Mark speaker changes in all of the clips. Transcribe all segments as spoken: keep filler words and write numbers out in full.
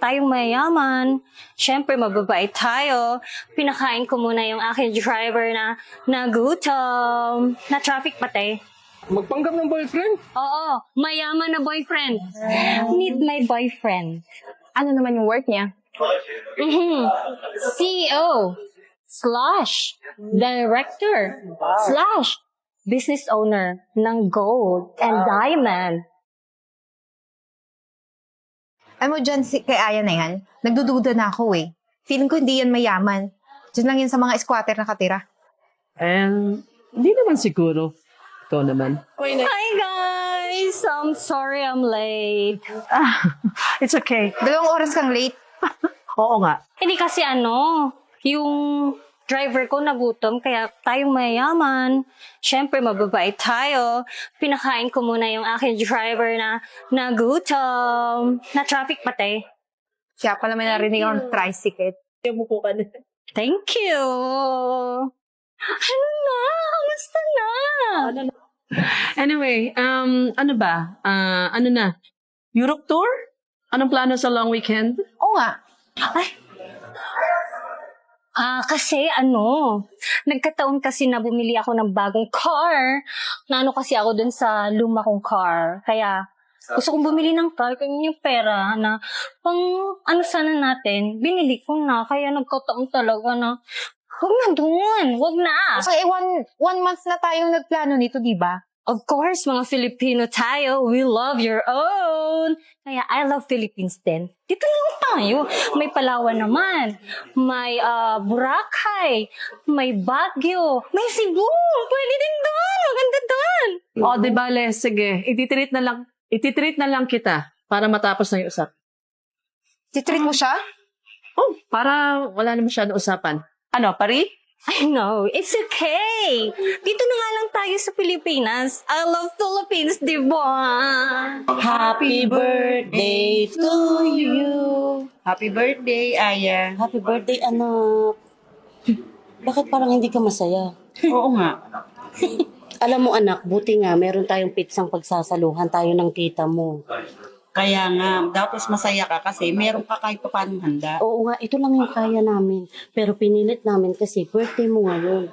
Speaker 1: tayong mayaman. Siyempre, mababait tayo. Pinakain ko muna yung aking driver na nagutom. Na traffic pati.
Speaker 2: Magpanggap ng boyfriend?
Speaker 1: Oo, mayaman na boyfriend. Need my boyfriend.
Speaker 3: Ano naman yung work niya?
Speaker 1: Mm-hmm. C E O slash director slash business owner ng gold and diamond.
Speaker 3: Alam mo dyan, si, kay Aya na yan, nagdududa na ako eh. Feeling ko hindi yan mayaman. Diyan lang yan sa mga squatter nakatira.
Speaker 2: And, hindi naman siguro. Ikaw naman.
Speaker 1: Hi guys! I'm sorry I'm late.
Speaker 2: Ah, it's okay.
Speaker 3: Dalawang oras kang late.
Speaker 2: Oo nga.
Speaker 1: Hindi kasi ano, yung driver ko nagutom, kaya tayong mayaman. Siyempre, mababait tayo. Pinakain ko muna yung aking driver na nagutom. Na traffic pati.
Speaker 3: Siya pala may narinig akong tricycle.
Speaker 1: Thank you! Ano na? Kamusta na?
Speaker 2: Anyway, um, ano ba? Ah, ano na? Europe tour? Anong plano sa long weekend?
Speaker 3: Oo nga.
Speaker 1: Ay! Ah, kasi ano, nagkataon kasi na bumili ako ng bagong car. Naano kasi ako dun sa luma kong car. Kaya, gusto kong bumili ng car, kaya yung pera na pang ano sana natin, binili ko na. Kaya nagkataon talaga na, huwag na dun, huwag na.
Speaker 3: So, eh, one, one month na tayong nagplano nito, di ba?
Speaker 1: Of course, mga Filipino tayo, we love your own. Kaya I love Philippines din. Dito lang tayo. May Palawan naman. May uh, Boracay. May Baguio. May Cebu. Pwede din doon. Maganda doon.
Speaker 2: O, di bale, sige. Ititreat na lang, ititreat na lang kita para matapos na yung usap.
Speaker 3: Titreat mo siya?
Speaker 2: Oh, para wala na masyadong usapan. Ano, pari?
Speaker 1: I know. It's okay. Dito na nga lang tayo sa Pilipinas. I love Philippines, di ba?
Speaker 4: Happy birthday to you. Happy birthday, Aya.
Speaker 5: Happy birthday, anak. Bakit parang hindi ka masaya?
Speaker 4: Oo nga.
Speaker 5: Alam mo, anak, buti nga, meron tayong pitsang pagsasaluhan tayo ng tita mo.
Speaker 4: Kaya nga, dapat masaya ka kasi meron ka kahit pa paano handa.
Speaker 5: Oo nga, ito lang yung kaya namin. Pero pinilit namin kasi birthday mo ngayon.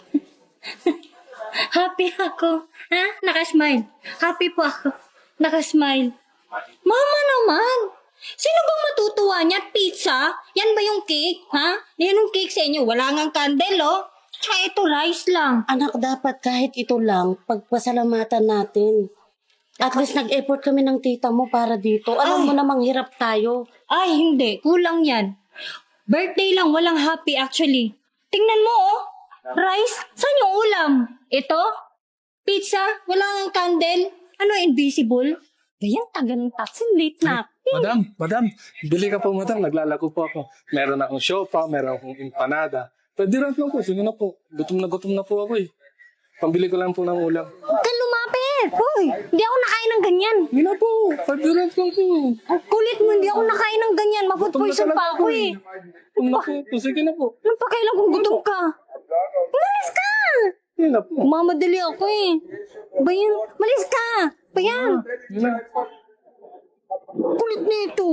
Speaker 1: Happy ako. Ha? Nakasmile. Happy po ako. Nakasmile. Mama naman. Sino bang matutuwa niya? Pizza? Yan ba yung cake? Ha? Yan yung cake sa inyo. Wala ngang candle, oh. Tsaka ito, rice lang.
Speaker 5: Anak, dapat kahit ito lang, pagpasalamatan natin. At least nag-effort kami ng tita mo para dito. Alam
Speaker 1: Ay.
Speaker 5: mo namang hirap tayo.
Speaker 1: Ay, hindi. Kulang yan. Birthday lang. Walang happy, actually. Tingnan mo, oh. Rice? Saan yung ulam? Ito? Pizza? Wala ngang candle? Ano, invisible? Ganyan, taga ng taxi. Late na.
Speaker 6: Madam, madam, bili ka po madam, naglalago po ako. Meron akong siopa, meron akong empanada. Pwede rin lang po, sige na po. Gutom na gutom na po ako eh. Pambili ko lang po ng ulam.
Speaker 1: Huwag kang lumapit. Hoy, hindi ako nakain ng ganyan.
Speaker 6: Hindi na po, five dirhams lang po.
Speaker 1: Ang kulit mo, hindi ako nakain ng ganyan. Mafood
Speaker 6: Gutom na
Speaker 1: poison
Speaker 6: talaga
Speaker 1: pa ako eh.
Speaker 6: Gutom na po, po, sige na po.
Speaker 1: Anong pakailan kung gutom ka? Malis ka!
Speaker 6: Hindi na po.
Speaker 1: Mamadali ako eh. Bayan, malis ka! Bayan,
Speaker 6: Hindi na.
Speaker 1: kulit nito.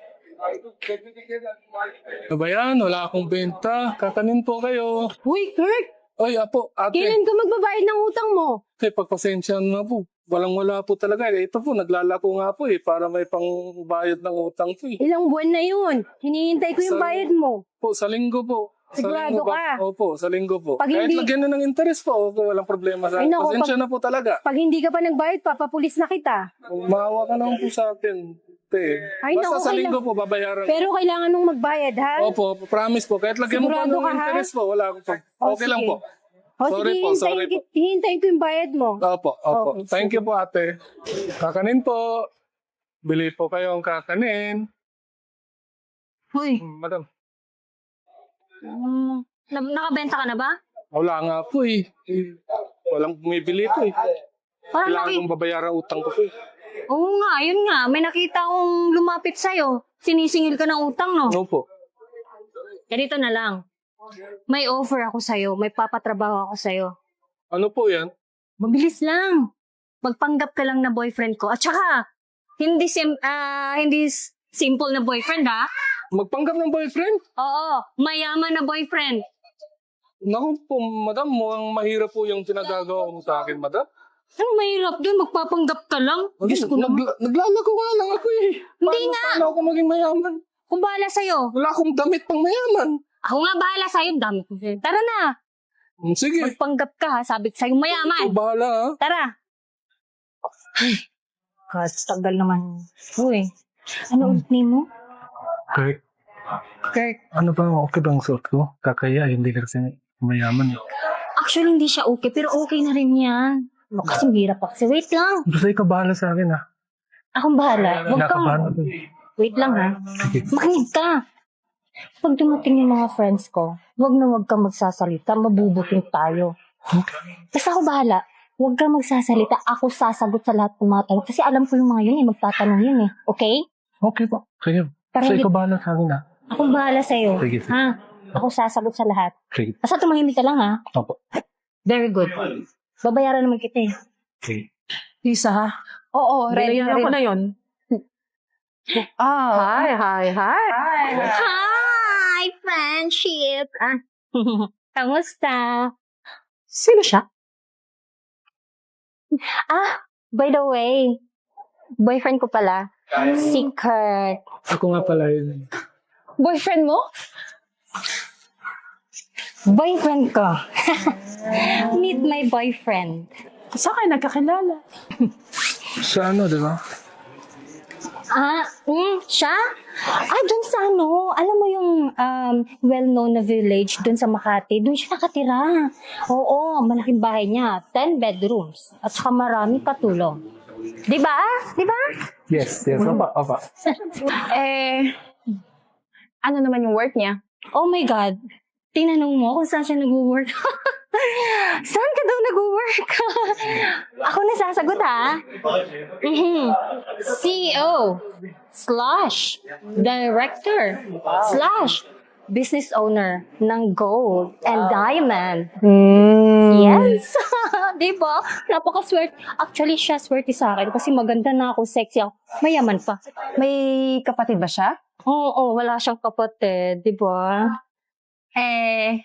Speaker 6: Ano ba yan? Wala akong benta. Kakanin po kayo.
Speaker 3: Uy, Kurt!
Speaker 6: Ay, apo, ate.
Speaker 3: Kailan ka magbabayad ng utang mo?
Speaker 6: Eh, pagpasensya na po. Walang wala po talaga. Eh, ito po, naglalako nga po eh, para may pangbayad ng utang po eh.
Speaker 3: Ilang buwan na yun. Hinihintay ko yung
Speaker 6: Sa-
Speaker 3: bayad mo.
Speaker 6: Po, sa linggo po. Sa
Speaker 3: Sigurado
Speaker 6: linggo
Speaker 3: ka?
Speaker 6: Opo, sa linggo po.
Speaker 3: Pag
Speaker 6: Kahit
Speaker 3: hindi-
Speaker 6: lagyan na ng interest po, opo, walang problema sa
Speaker 3: Ay,
Speaker 6: akin.
Speaker 3: naku,
Speaker 6: Pasensya
Speaker 3: pag-
Speaker 6: na po talaga.
Speaker 3: Pag hindi ka pa nagbayad, papapulis na kita.
Speaker 6: Maawa ka naman po sa akin. Te.
Speaker 3: Ay,
Speaker 6: Basta
Speaker 3: naku,
Speaker 6: sa
Speaker 3: kailang-
Speaker 6: linggo po, babayaran.
Speaker 3: Pero kailangan nung magbayad, ha?
Speaker 6: Opo, opo, promise po. Kahit lagyan mo pa
Speaker 3: Sigurado
Speaker 6: ng
Speaker 3: ka, ha?
Speaker 6: interest po, wala akong pag...
Speaker 3: O,
Speaker 6: Okay lang
Speaker 3: sige.
Speaker 6: po.
Speaker 3: O,
Speaker 6: Sorry
Speaker 3: sige,
Speaker 6: po, sorry
Speaker 3: hintayin,
Speaker 6: po.
Speaker 3: hintayin ko yung bayad mo.
Speaker 6: Opo, opo.
Speaker 3: Okay,
Speaker 6: Thank you po, ate. Kakanin po. Bili po kayong kakanin.
Speaker 1: Hoy,
Speaker 6: Hmm, madam,
Speaker 1: um, na- nakabenta ka na ba?
Speaker 6: wala nga po eh. Eh, Walang bumibili po eh.
Speaker 1: Parang
Speaker 6: Kailangan
Speaker 1: naki-
Speaker 6: kong babayaran ang utang ko po eh.
Speaker 1: Oo nga, yun nga. May nakita akong lumapit sa'yo. Sinisingil ka ng utang, no?
Speaker 6: Opo.
Speaker 1: Ganito na lang. May offer ako sa'yo. May papatrabaho ako sa'yo.
Speaker 6: Ano po yan?
Speaker 1: Mabilis lang. Magpanggap ka lang na boyfriend ko. At saka, hindi sim, ah, hindi s- Simple na boyfriend, ha?
Speaker 6: Magpanggap ng boyfriend?
Speaker 1: Oo, mayaman na boyfriend.
Speaker 6: Naku po, madam, mukhang mahirap po yung pinagagawa mo sa akin, madam.
Speaker 1: Anong mahirap doon? Magpapanggap ka lang? Diyos ko naman.
Speaker 6: Nagla- naglalago nga lang ako eh.
Speaker 1: Hindi
Speaker 6: Paano-
Speaker 1: nga.
Speaker 6: Paano ako maging mayaman?
Speaker 1: Kung bahala sa'yo.
Speaker 6: Wala akong damit pang mayaman.
Speaker 1: Ako nga bahala sa'yo. Dami ko sa'yo. Tara na.
Speaker 6: Hmm, Sige,
Speaker 1: Magpanggap ka, ha? Sabi ko sa'yo,
Speaker 6: ikaw
Speaker 1: mayaman.
Speaker 6: bahala ha.
Speaker 1: Tara. Kastagal naman. Uy, ano ulit name mo?
Speaker 6: Kirk,
Speaker 1: Kirk.
Speaker 6: ano ba, okay bang suot ko? Kakaya, hindi ka kasi mayaman.
Speaker 1: Actually, hindi siya okay, pero okay na rin yan. No, kasi hirap pa kasi. Wait lang.
Speaker 6: Basta ikaw bahala sa akin ha.
Speaker 1: Akong bahala. Huwag kang...
Speaker 6: Kinakabahan ako.
Speaker 1: Wait lang, ha?
Speaker 6: Sige.
Speaker 1: Makinig ka. Pag dumating yung mga friends ko, huwag na huwag kang magsasalita. Mabubuting tayo.
Speaker 6: Okay.
Speaker 1: Basta ako bahala. Huwag kang magsasalita. Ako sasagot sa lahat ng mga tanong. Kasi alam ko yung mga yun eh. Magtatanong yun eh. Okay?
Speaker 6: Okay po. Sige.
Speaker 1: Pero
Speaker 6: Basta
Speaker 1: hindi-
Speaker 6: ikaw bahala sa akin ha.
Speaker 1: Akong bahala sa'yo.
Speaker 6: Sige, sige.
Speaker 1: Ha? Ako sasagot sa lahat.
Speaker 6: Sige.
Speaker 1: Basta tumahimik ka lang, ha?
Speaker 6: Opo.
Speaker 1: Very good. Babayaran naman kita eh.
Speaker 6: Sige.
Speaker 2: Lisa, ha?
Speaker 3: Oo, ready na
Speaker 2: Binayaran ko
Speaker 3: rin.
Speaker 2: na yun.
Speaker 3: Ah,
Speaker 2: Hi, hi, hi.
Speaker 1: Hi, friendship! Ah. Kamusta?
Speaker 2: Sino siya?
Speaker 1: Ah, by the way, boyfriend ko pala. Si Kurt.
Speaker 6: Ako nga pala yun.
Speaker 3: boyfriend mo?
Speaker 1: Boyfriend ko. Meet my boyfriend.
Speaker 2: Saan kayo nagkakilala?
Speaker 6: Sa ano, di ba?
Speaker 1: Ah, mm, siya? Ah, dun sa ano, alam mo yung um, well-known na village dun sa Makati, dun siya nakatira. Oo, malaking bahay niya, ten bedrooms, at saka maraming katulong. Di ba? Di ba?
Speaker 6: Yes, yes. Opa, opa.
Speaker 3: Eh, ano naman yung work niya?
Speaker 1: Oh my God. Tinanong mo kung saan siya nag-work. Saan ka daw nag-work? Ako na sasagot, ha? Mhm. C E O slash director slash business owner ng gold and diamond. Yes. Di ba? Napakaswerte. Actually, siya swerte sa akin kasi maganda na ako, sexy ako. Mayaman pa.
Speaker 3: May kapatid ba siya?
Speaker 1: Oo, oh, wala siyang kapatid. Di ba?
Speaker 3: Eh,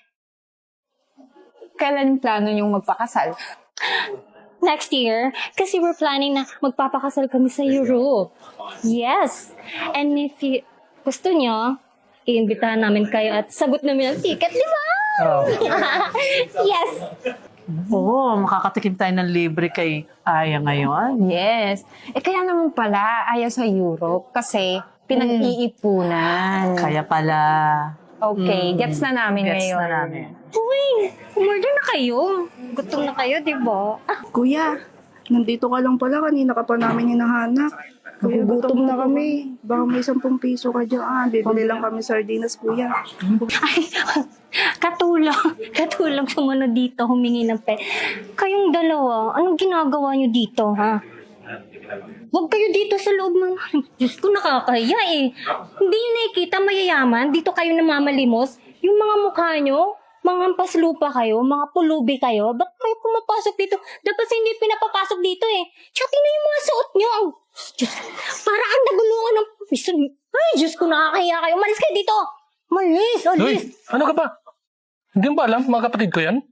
Speaker 3: kailan plano niyong magpakasal?
Speaker 1: Next year, kasi we're planning na magpapakasal kami sa Europe. Yes. And if you, gusto nyo, iimbitahan namin kayo at sagot namin ang ticket, di ba?
Speaker 6: Oh.
Speaker 1: Yes.
Speaker 2: Oo, makakatikim tayo ng libre kay Aya ngayon.
Speaker 3: Yes. Eh, kaya naman pala ayaw sa Europe kasi pinag-iipunan.
Speaker 2: Kaya pala.
Speaker 3: Okay, gets na namin
Speaker 2: Gets
Speaker 3: ngayon.
Speaker 2: na namin.
Speaker 1: Uy, umorder na kayo. Gutom na kayo, di ba? Ah,
Speaker 7: Kuya, nandito ka lang pala. Kanina ka pa namin hinahanap. Kuya, gutom na kami. Baka may sampung piso ka dyan. Bibili lang kami sardinas, kuya.
Speaker 1: ay, katulong. Katulong sumunod dito, humingi ng pe. Kayong dalawa, anong ginagawa nyo dito, ha? Huwag kayo dito sa loob ng... Diyos ko, nakakahiya eh. Hindi nyo nakikita mayayaman. Dito kayo namamalimos. Yung mga mukha nyo, mga paslupa kayo, mga pulubi kayo. Ba't kayo pumapasok dito? Dapat sa hindi pinapapasok dito eh. Tsaka tingnan yung mga suot nyo. Ang... Diyos, para ang nagulungan ng... Ay, Diyos ko, nakakahiya kayo. Malis kayo dito. Malis,
Speaker 6: Uy,
Speaker 1: alis.
Speaker 6: ano ka ba? Hindi mo ba alam? Mga kapatid ko yan?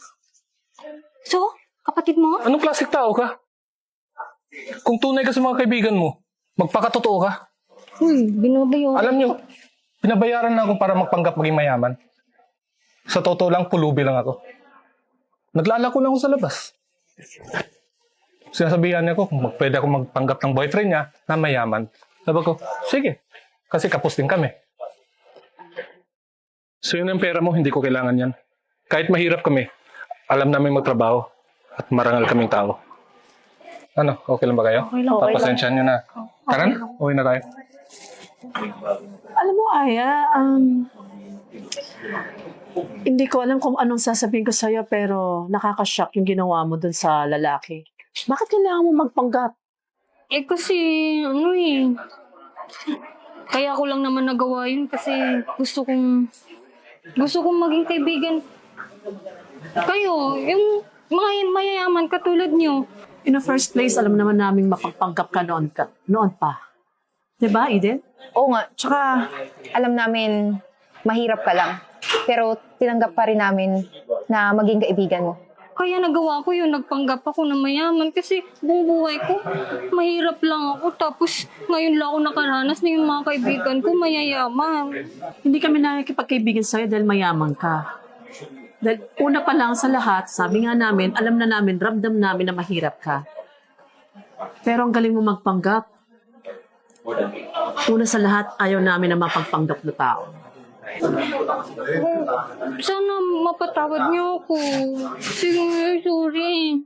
Speaker 1: So, kapatid mo?
Speaker 6: Anong klaseng tao ka? Kung tunay ka sa mga kaibigan mo, magpakatotoo ka.
Speaker 1: Uy, binabayo.
Speaker 6: Alam nyo, pinabayaran na ako para magpanggap maging mayaman. Sa totoo lang, pulubi lang ako. Naglalako lang ako sa labas. Sinasabihan niya ako kung mag- pwede ako magpanggap ng boyfriend niya na mayaman. Sabi ko, sige. Kasi kapos din kami. So yun ang pera mo, hindi ko kailangan yan. Kahit mahirap kami, alam namin magtrabaho at marangal kaming tao. Ano, okay lang ba kayo?
Speaker 1: Okay lang, okay
Speaker 6: Papasensyahan nyo na. Tara na, uwi na tayo.
Speaker 2: Alam mo, Aya, um, hindi ko alam kung anong sasabihin ko sa'yo, pero nakakashock yung ginawa mo dun sa lalaki. Bakit kailangan mo magpanggap?
Speaker 1: Eh kasi, ano eh. Kaya ko lang naman nagawa yun kasi gusto kong, gusto kong maging kaibigan. Kayo, yung mga mayayaman katulad nyo.
Speaker 2: In the first place, alam naman namin mapagpanggap ka noon ka. Noon pa. Diba, Eden?
Speaker 3: Oo nga, tsaka alam namin mahirap ka lang. Pero tinanggap pa rin namin na maging kaibigan mo.
Speaker 1: Kaya nagawa ko yun, nagpanggap ako na mayaman kasi buong buhay ko, mahirap lang ako. Tapos ngayon lang ako nakaranas na yung mga kaibigan ko mayayaman.
Speaker 2: Hindi kami nakikipagkaibigan sa'yo dahil mayaman ka. Dahil una pa lang sa lahat, sabi nga namin, alam na namin, ramdam namin na mahirap ka. Pero ang galing mo magpanggap. Una sa lahat, ayaw namin na mapagpanggap na tao.
Speaker 1: Sana mapatawad niyo ako. Sige, sorry.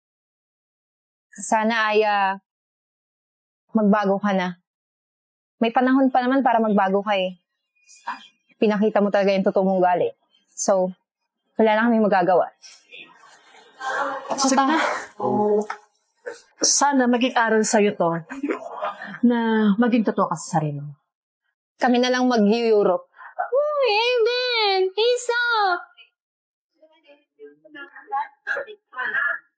Speaker 3: Sana ay ah, magbago ka na. May panahon pa naman para magbago ka eh. Pinakita mo talaga yung totoo mong gali. So, wala na kami magagawa.
Speaker 2: Sige na. Sana maging aral sa'yo to na maging totoo ka sa sarili mo.
Speaker 3: Kami na lang mag-Europe.
Speaker 1: Uy, Aiden! Isa!